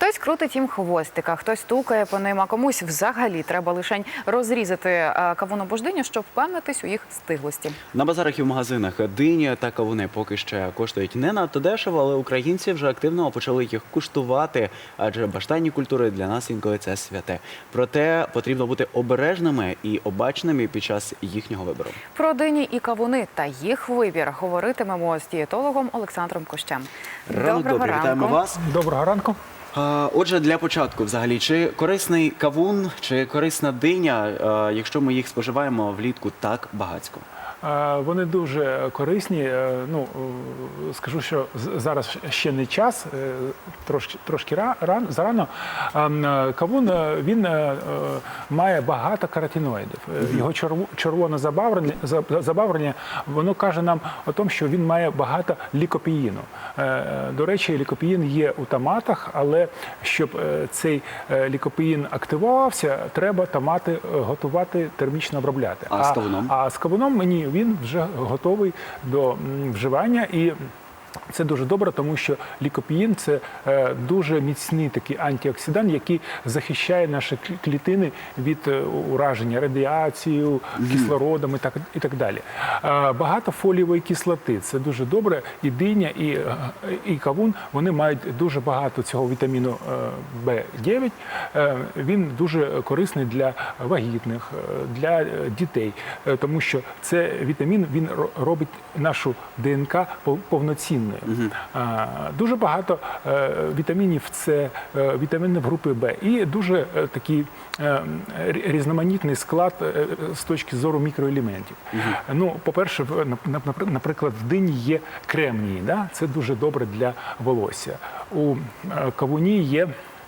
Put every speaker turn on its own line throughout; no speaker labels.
Хтось крутить їм хвостика, хтось стукає по ним, а комусь взагалі треба лишень розрізати кавун або ж диню, щоб впевнитись у їх стиглості.
На базарах і в магазинах дині та кавуни поки ще коштують не надто дешево, але українці вже активно почали їх куштувати, адже баштанні культури для нас інколи це святе. Проте потрібно бути обережними і обачними під час їхнього вибору.
Про дині і кавуни та їх вибір говоритимемо з дієтологом Олександром Кощем.
Доброго ранку. Вітаємо вас.
Доброго ранку.
Отже, для початку, взагалі, чи корисний кавун, чи корисна диня, якщо ми їх споживаємо влітку так багатько?
Вони дуже корисні. Ну, скажу, що зараз ще не час, трошки зарано. Кавун, він має багато каротиноїдів. Його червоне забарвлення, воно каже нам о тому, що він має багато лікопеїну. До речі, лікопеїн є у томатах, але щоб цей лікопеїн активувався, треба томати готувати, термічно обробляти.
А з кавуном?
А з кавуном він вже готовий до вживання, і це дуже добре, тому що лікопеїн – це дуже міцний такий антиоксидант, який захищає наші клітини від ураження радіацією, кислородом і так далі. Багато фолієвої кислоти – це дуже добре. І диня, і кавун, вони мають дуже багато цього вітаміну В9. Він дуже корисний для вагітних, для дітей, тому що цей вітамін, він робить нашу ДНК повноцінною. Дуже багато вітамінів С, вітамінів групи В і дуже такий різноманітний склад з точки зору мікроелементів. Ну, по-перше, наприклад, в дині є кремній, да? Це дуже добре для волосся. У кавуні є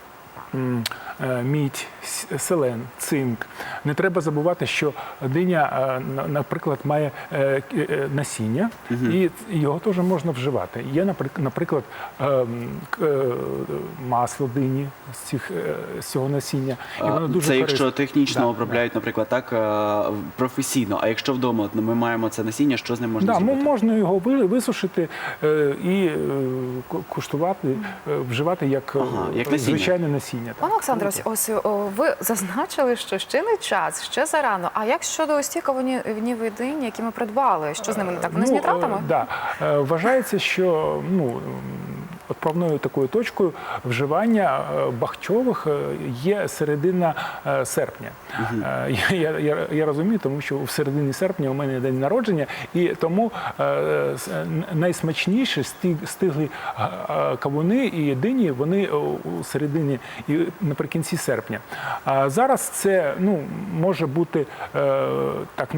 мідь, селен, цинк. Не треба забувати, що диня, наприклад, має насіння, і його теж можна вживати. Є, наприклад, масло дині з цього насіння. І воно дуже
це якщо технічно обробляють, наприклад, так, професійно. А якщо вдома ми маємо це насіння, що з ним можна зробити?
Можна його висушити і куштувати, вживати як звичайне насіння.
Пане Олександре, ось ви зазначили, що ще не час, ще зарано. А як щодо ось ці кавунів і дині, які ми придбали? Що з ними не так? Вони з нітратами?
Так. Вважається, що відправною такою точкою вживання бахчових є середина серпня. Я розумію, тому що в середині серпня у мене день народження, і тому найсмачніші стиглі кавуни і дині, вони у середині і наприкінці серпня. А зараз це може бути так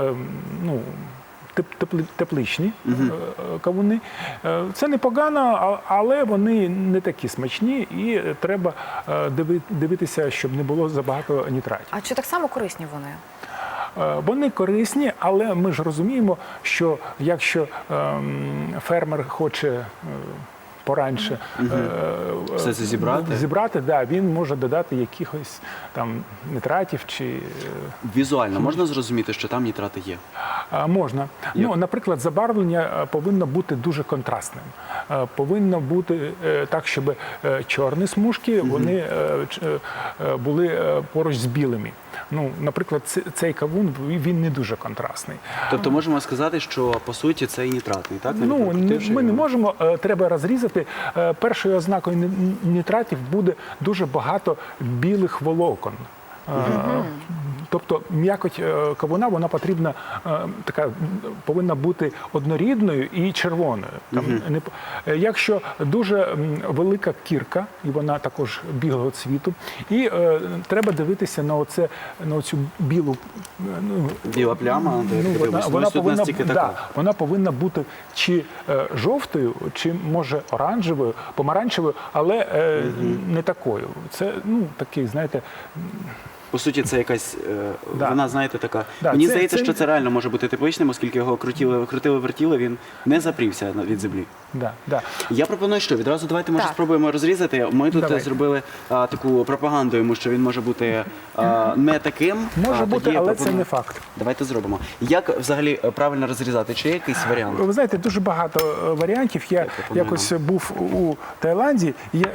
тепличні кавуни. Це непогано, але вони не такі смачні, і треба дивитися, щоб не було забагато нітратів.
А чи так само корисні вони?
Вони корисні, але ми ж розуміємо, що якщо фермер хоче пораньше
все це
зібрати, він може додати якихось там нітратів чи...
Візуально можна зрозуміти, що там нітрати є?
Можна. Наприклад, забарвлення повинно бути дуже контрастним. Повинно бути так, щоб чорні смужки, вони були поруч з білими. Наприклад, цей кавун, він не дуже контрастний.
Тобто можемо сказати, що по суті це і нітратний, так?
Ми не можемо, треба розрізати. Першою ознакою нітратів буде дуже багато білих волокон. Тобто м'якоть кавуна, вона повинна бути однорідною і червоною. Якщо дуже велика кірка, і вона також білого цвіту, і треба дивитися на оцю білу...
Біла пляма,
вона повинна бути чи жовтою, чи, може, оранжевою, помаранчевою, але не такою. Це такий, знаєте...
по суті, це якась,
Да.
вона, знаєте, така.
Да,
Мені
це-
здається,
це-
що це реально може бути тепличним, оскільки його крутили-вертіли, він не запрівся від землі.
Да, да.
Я пропоную, що відразу давайте, може,
Так.
спробуємо розрізати. Ми тут
Давайте.
зробили таку пропаганду йому, що він може бути не таким.
Може
а
бути,
тоді я
але це
пропоную-
не факт.
Давайте зробимо. Як взагалі правильно розрізати? Чи є якийсь варіант?
Ви знаєте, дуже багато варіантів. Я
пропоную
якось був у Таїланді,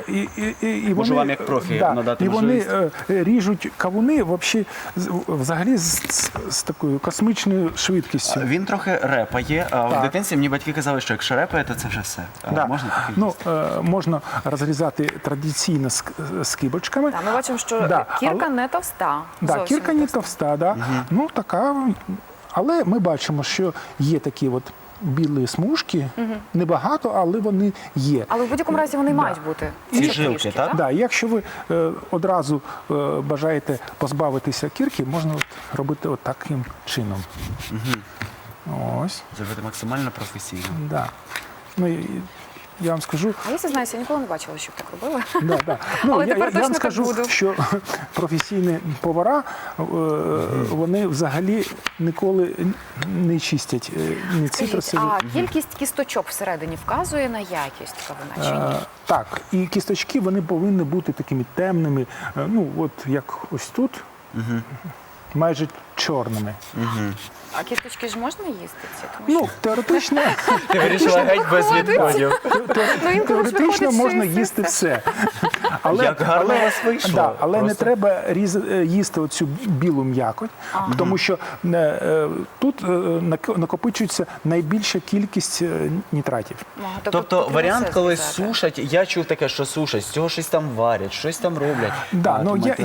і
Можу
вони,
вам як профі надати
і вони
можливість?
ріжуть кавуни взагалі з такою космічною швидкістю.
Він трохи репає. А в
Так.
дитинстві мені батьки казали, що якщо репає, то це вже все.
Да.
Можна таке
Ну,
їсти?
можна розрізати традиційно з кибочками.
Так, ми бачимо, що
Да,
кірка
але-
не товста.
Да,
Зовсім
кірка не товста, да. Ну така. Але ми бачимо, що є такі от білі смужки, небагато, але вони є.
Але в будь-якому разі вони мають бути.
Ці
Ці
жилки,
трішки,
так?
Да, якщо ви одразу бажаєте позбавитися кірки, можна робити от таким чином. Ось,
Зробити максимально професійно.
да. Ну, я вам скажу,
А я зізнаюся, я ніколи не бачила, щоб так робили.
да, да. Ну,
Але
я
тепер точно
вам
так
скажу,
буду.
що професійні повара, вони взагалі ніколи не чистять ні
Скажіть,
цитрусові.
а кількість кісточок всередині вказує на якість кавуна чи ні?
Так, і кісточки вони повинні бути такими темними, ну от як ось тут, майже чорними.
А кісточки ж можна їсти ці? Тому
Ну, теоретично,
Ти вирішила геть без відходів.
Ну, інколи ж
теоретично
виходить,
можна
що і
їсти все.
Як гарно у вас вийшло.
Да, але не
Просто.
треба їсти оцю білу м'якоть, тому що тут накопичується найбільша кількість нітратів.
Ага,
Тобто
потрібно
варіант,
все
коли
зрізати.
сушать, я чув таке, що сушать, з цього щось там варять, щось там роблять.
Да,
А,
ну
тому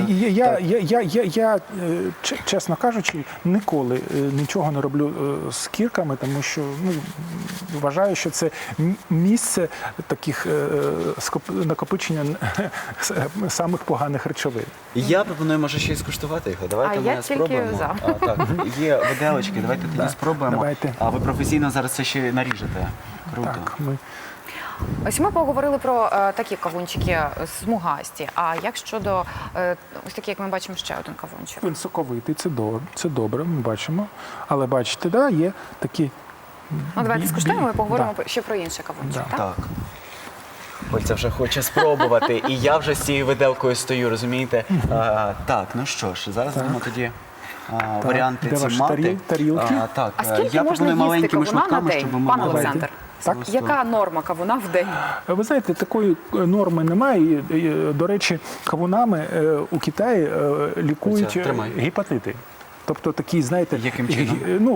я, чесно кажучи, ніколи нічого не роблю з кірками, тому що ну, вважаю, що це місце таких накопичення самих поганих речовин.
Я пропоную, може, ще й скуштувати його. Давайте
А
ми
я тільки
спробуємо.
за.
Так, є виделочки, давайте тоді спробуємо.
давайте.
А ви професійно зараз це ще наріжете. Круто.
Так, ми
Ось ми поговорили про такі кавунчики смугасті. А як щодо ось такі, як ми бачимо, ще один кавунчик?
він соковитий, це добре, ми бачимо. Але бачите, да, є такі.
Ну, давайте скуштуємо і поговоримо
Да.
ще про інший кавунчик.
Да.
Так?
Так. Ольця вже хоче спробувати, і я вже з цією виделкою стою, розумієте? Так, ну що ж, зараз будемо тоді варіанти
Де
ці
ваші
мати.
тарілки?
Так,
А скільки
я
можна
пропоную
їсти
маленькими
кавуна на
шматками,
день,
щоб ми
пане
могли.
Олександр?
Так.
Яка норма кавуна в день?
Ви знаєте, такої норми немає. До речі, кавунами у Китаї лікують
Оце, тримай.
гепатити. Тобто такі, знаєте,
Яким чином?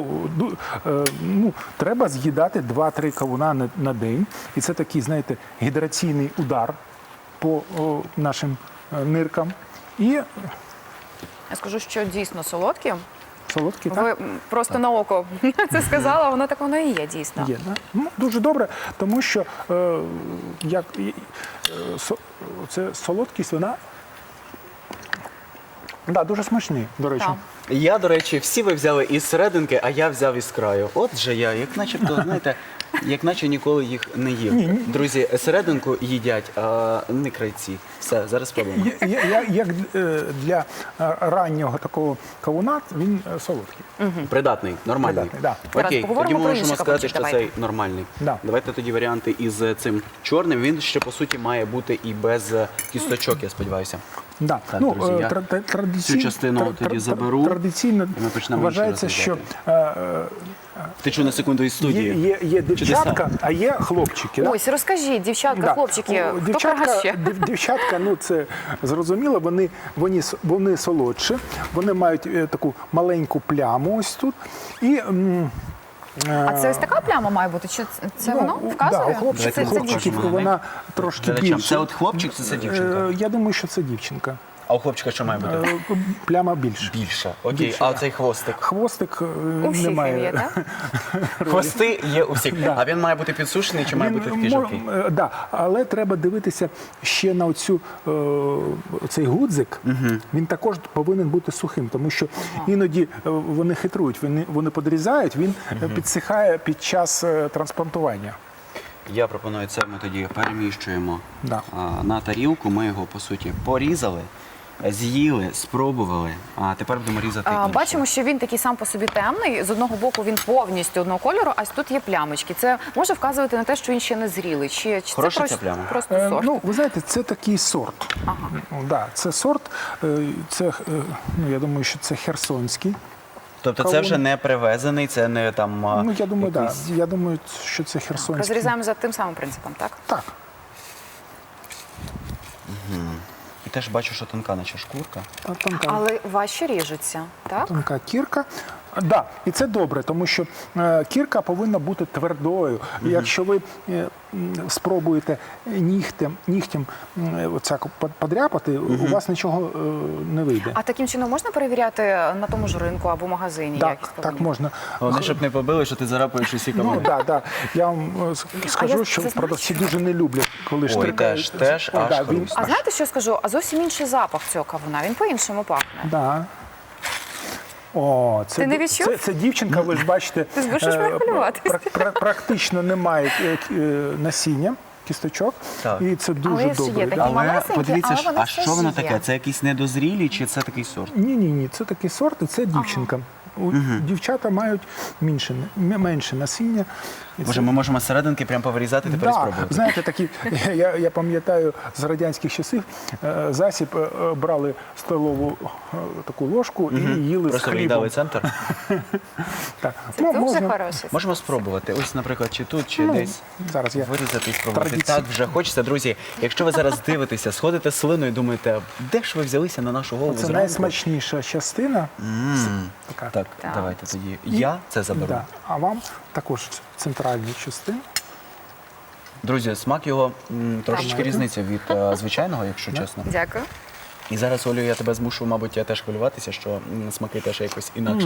треба з'їдати 2-3 кавуна на день. І це такий, знаєте, гідраційний удар по нашим ниркам. І
Я скажу, що дійсно солодкі.
солодкі, так?
Ви просто на око це сказала, воно так воно і є, дійсно.
Є, да? Ну, дуже добре, тому що це солодкість, вона дуже смачний, до речі.
Так.
Я, до речі, всі ви взяли із серединки, а я взяв із краю. От же я, як начебто, знаєте, як наче ніколи їх не їв. Друзі, серединку їдять, а не крайці. Все, зараз спробуємо.
Як для раннього такого кавуна, він солодкий.
Придатний, нормальний.
Придатний, да.
Зараз
Окей,
поговоримо
тоді ми
про
можемо
інший
сказати,
кавунчик,
що
давайте.
цей нормальний.
Да.
Давайте тоді варіанти із цим чорним. Він ще, по суті, має бути і без кісточок, я сподіваюся.
Да.
Так, друзі, я
традиційно,
цю частину тоді заберу,
Традиційно
і ми почнемо
вважається,
інше
що
Втечу на секунду із студії.
є дівчатка, а є хлопчики. Да?
Ось, розкажіть, дівчатка,
Да.
хлопчики, хто
Дівчатка,
краще?
дівчатка, ну це зрозуміло, вони солодші, вони мають таку маленьку пляму ось тут. І,
А це ось така пляма має бути? Чи це воно вказує?
Да, у
Чи
хлопчиків,
це
покажемо.
хлопчиків
дівчинка?
вона трошки
Глядачам,
більше.
це от хлопчик, чи це дівчинка?
Я думаю, що це дівчинка.
А у хлопчика що має бути?
Пляма більше.
Більше. Окей,
Більше,
а
да.
цей хвостик?
Хвостик
У всіх
немає.
він є, так?
Хвости є у всіх. А він має бути підсушений чи має бути такий жовтий?
Да, але треба дивитися ще на цей гудзик. Він також повинен бути сухим, тому що іноді вони хитрують, вони подрізають, він підсихає під час трансплантування.
Я пропоную це, ми тоді переміщуємо
Да.
на тарілку. Ми його, по суті, порізали. з'їли, спробували, а тепер будемо різати інше.
Бачимо, що він такий сам по собі темний. З одного боку він повністю одного кольору, а тут є плямочки. Це може вказувати на те, що він ще не зрілий. Чи це
Хороша ця пляма?
просто сорт?
Ну, ви знаєте, це такий сорт.
Ага.
Да, це сорт, це, ну, я думаю, що це херсонський.
Тобто це вже не привезений, це не там
Ну, я думаю,
якийсь...
да. Я думаю, що це херсонський.
Розрізаємо за тим самим принципом, так?
Так.
І теж бачу, що тонка наче шкурка.
Тонка,
Але важче ріжуться, так?
тонка кірка. Да, і це добре, тому що кірка повинна бути твердою. І якщо ви спробуєте нігтем оцяк подряпати, у вас нічого не вийде.
А таким чином можна перевіряти на тому ж ринку або магазині?
Так,
якість
так
повинні?
можна.
Вони щоб не побили, що ти зарапуєш усі
Ну,
кавуни.
да. Я вам скажу,
я
що
це знаю,
продавці дуже не люблять, коли штрикають.
теж
Ой,
аж
да, він-
хруст.
А знаєте, що я скажу? А зовсім інший запах цього кавуна. Він по-іншому пахне.
Да. О, це,
Ти не відчув?
це дівчинка, ви ж бачите,
Ти змушуєш мене хвилюватись.
практично немає насіння, кісточок,
Так.
і це дуже
Але ж є
добре.
такі
Да.
Але
малесенькі,
подивіться,
але вони
а
все
що воно
ж є.
таке? Це якісь недозрілі чи це такий сорт?
Ні, це такий сорт, і це дівчинка. Дівчата мають менше насіння. І
Боже,
це-
ми можемо з серединки прямо повирізати, тепер
Да,
спробувати.
знаєте, такі, я пам'ятаю з радянських часів, засіб брали столову таку ложку і їли з
Просто
хлібом.
виїдали центр.
Так.
Це
Ну,
дуже
можна-
хороший.
Можемо спробувати. Ось, наприклад, чи тут, чи десь
Зараз я
вирізати і спробувати.
традиційно.
Так вже хочеться, друзі. Якщо ви зараз дивитеся, сходите слиною і думаєте, де ж ви взялися на нашу голову
Це
зранку?
найсмачніша частина. Така.
Так,
Так.
давайте тоді. Я це заберу.
Да. А вам також центральні частини.
Друзі, смак його трошечки
Так.
різниця від звичайного, якщо чесно.
Дякую.
І зараз, Олю, я тебе змушу, мабуть, я теж хвилюватися, що смаки теж якось інакше.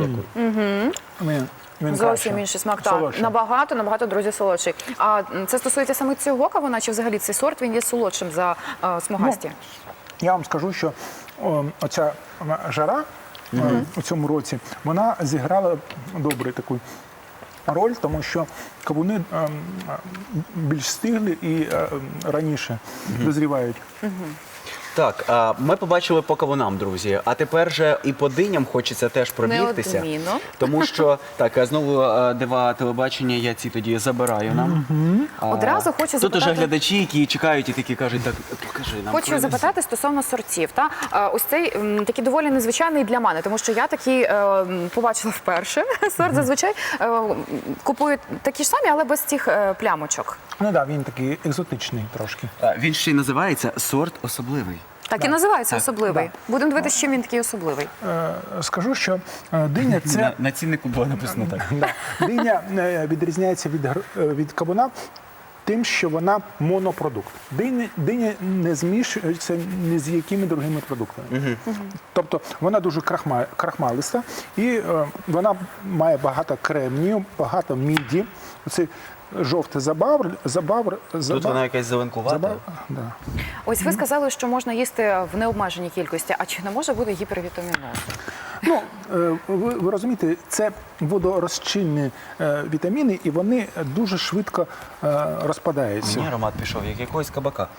Він
Зовсім
краще.
інший смак. Так,
Солодший.
набагато, друзі, солодший. А це стосується саме цього кавуна, чи взагалі цей сорт він є солодшим за смугасті?
Я вам скажу, що оця жара у цьому році, вона зіграла добру таку роль, тому що кавуни більш стиглі і раніше дозрівають.
Так, ми побачили по кавунам, друзі. А тепер же і по диням хочеться теж пробігтися.
Неодмінно.
Тому що, так, знову дива телебачення, я ці тоді забираю нам.
Одразу хочу
Тут
запитати-
уже глядачі, які чекають і такі кажуть, так, покажи нам.
Хочу
привези.
запитати стосовно сортів. Ось цей такий доволі незвичайний для мене, тому що я такий побачила вперше сорт. Зазвичай купую такі ж самі, але без цих плямочок.
Ну так, він такий екзотичний трошки.
Він ще й називається сорт особливий.
Так і називається
Так.
особливий. Будемо дивитися, чим він такий особливий.
Скажу, що диня це
На ціннику було написано так.
Да. Диня відрізняється від кавуна тим, що вона монопродукт. Диня не змішується ні з якими другими продуктами. Тобто вона дуже крахмалиста і вона має багато кремнію, багато міді. Оцей жовтий забавр.
Тут вона якась зеленкувата.
Да.
Ось ви сказали, що можна їсти в необмеженій кількості, а чи не може бути гіпервітаміноз?
Ну, ви розумієте, це водорозчинні вітаміни, і вони дуже швидко розпадаються.
Мені аромат пішов, як якогось кабака.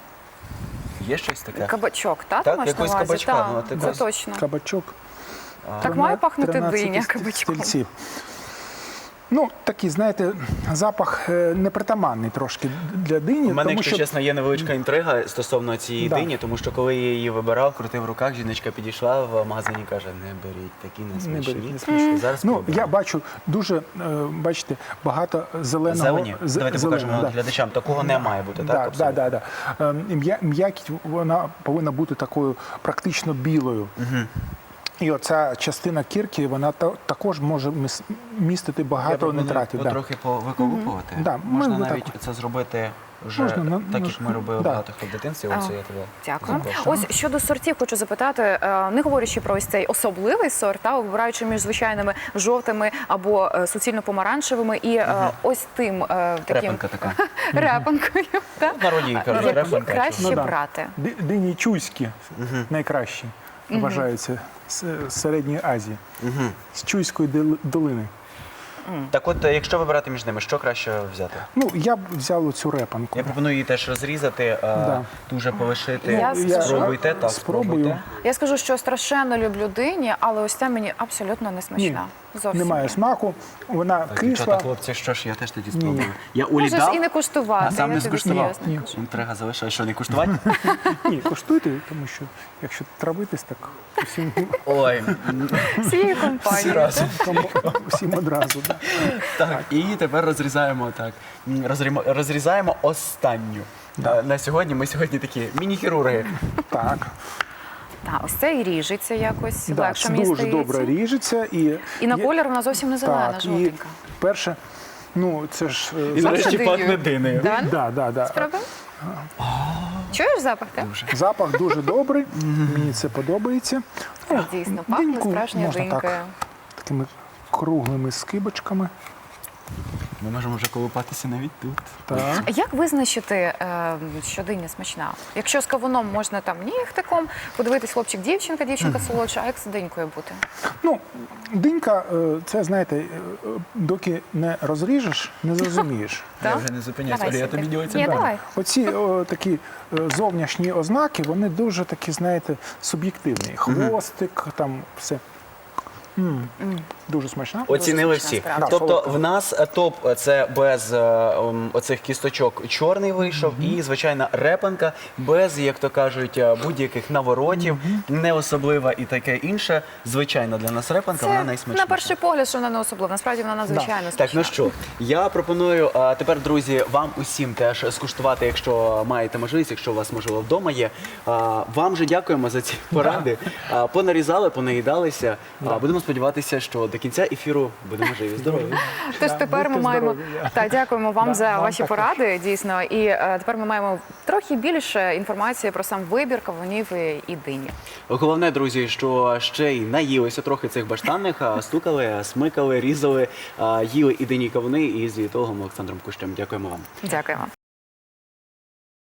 Є щось таке?
Кабачок, так?
Так,
ти маєш на
якогось
увазі?
кабачка,
Так,
ну, от
це
якось.
точно.
Кабачок.
Так має пахнути
13
диня кабачком.
стільців. Ну, такий, знаєте, запах непритаманний трошки для дині.
У мене,
тому
якщо
що
чесно, є невеличка інтрига стосовно цієї
Да.
дині, тому що коли я її вибирав, крутив в руках, жіночка підійшла в магазині і каже, не беріть, такі
не беріть,
несмачні.
не смачні.
Зараз
Ну,
спробуємо.
я бачу дуже, бачите, багато зеленого.
Зелені? Давайте покажемо
зеленого, да.
глядачам. Такого не має бути, так? абсолютно?
Да. М'якість вона повинна бути такою практично білою. І оця частина кірки, вона також може містити
Я
багато
пропоную
нитратів. Да.
трохи повиколупувати.
Да,
Можна
ми
навіть
так.
це зробити вже
Можна, ну,
так,
ну,
як ми робили
да.
багато хто в дитинстві. Ось я тебе
Дякую.
запрошую.
Ось щодо сортів хочу запитати, не говорячи про ось цей особливий сорт, а вибираючи між звичайними жовтими або суцільно помаранчевими і ось тим таким
Репанка така.
репанкою. так?
В народі її кажуть,
Які
репанка.
краще
Ну, да.
брати?
Дині чуйські найкращі вважаються з Середньої Азії, з Чуйської долини.
Так от, якщо вибирати між ними, що краще взяти?
Ну, я б взяв цю репанку.
Я пропоную її теж розрізати, дуже полишити.
Я
Спробуйте, так,
спробую.
спробуйте.
Я скажу, що страшенно люблю дині, але ось ця мені абсолютно не
Ні,
смачна. Зовсім
немає
ні.
смаку, вона
Так,
кисла.
дівчата, хлопці, що ж, я теж тоді спробую. Я Олі
Можеш
дав,
і не куштувати.
а сам
я
не
тобі
скуштував.
серйозно кажу.
Інтрига залишила, що не куштувати?
Ні, коштуйте, тому що якщо травитись, так усім,
Ой,
Всією
всі
компанією.
разом.
усім одразу. Да.
Так, і тепер розрізаємо так. Розрізаємо останню. На сьогодні ми сьогодні такі міні-хірурги.
Так,
Так, ось це і ріжеться якось
да,
легше,
це
мені
дуже
здається.
добре ріжеться.
І на
є-
колір вона зовсім не зелена,
Так, і
жовтенька.
перше, ну це ж...
І нарешті
Пахне
пахне
динею.
динею.
Да?
Да.
Спробуємо? Чуєш запах, так?
Запах дуже добрий, мені це подобається. Ну,
Дійсно, пахне
диньку
справжньою
можна
динькою.
так, такими круглими скибочками.
Ми можемо вже колупатися навіть тут.
Так.
Як визначити, що диня смачна? Якщо з кавуном можна там нігтиком, подивитись хлопчик-дівчинка, дівчинка солодша, а як з динькою бути?
Ну, динька, це, знаєте, доки не розріжеш, не зрозумієш.
Я
Так?
вже не зупиняюся,
Давай
Оля, я
сюди.
тобі ділиться.
Ні,
дам.
давай.
Оці такі зовнішні ознаки, вони дуже такі, знаєте, суб'єктивні. Хвостик, там все. Дуже смачно.
Оцінили
смачна
всі.
справді.
Тобто
Солодка.
в нас топ це без оцих кісточок чорний вийшов, і звичайна репанка без, як то кажуть, будь-яких наворотів, не особлива і таке інше. Звичайна для нас репанка, вона
Це
найсмачніша.
на перший погляд, що вона не особлива. Насправді вона надзвичайно
Так,
смачна.
ну що, я пропоную тепер, друзі, вам усім теж скуштувати, якщо маєте можливість, якщо у вас, можливо, вдома є. Вам же дякуємо за ці поради. Понарізали, понаїдалися. Будемо сподіватися, що до кінця ефіру будемо живі, здорові.
Тож
Да,
тепер ми
будьте
маємо
здорові.
так, дякуємо вам
Да,
за
вам
ваші
також.
поради, дійсно. І тепер ми маємо трохи більше інформації про сам вибір кавунів і дині.
Головне, друзі, що ще й наїлися трохи цих баштанних, стукали, смикали, різали, їли і дині кавуни із дієтологом Олександром Кущем. Дякуємо вам.
Дякуємо.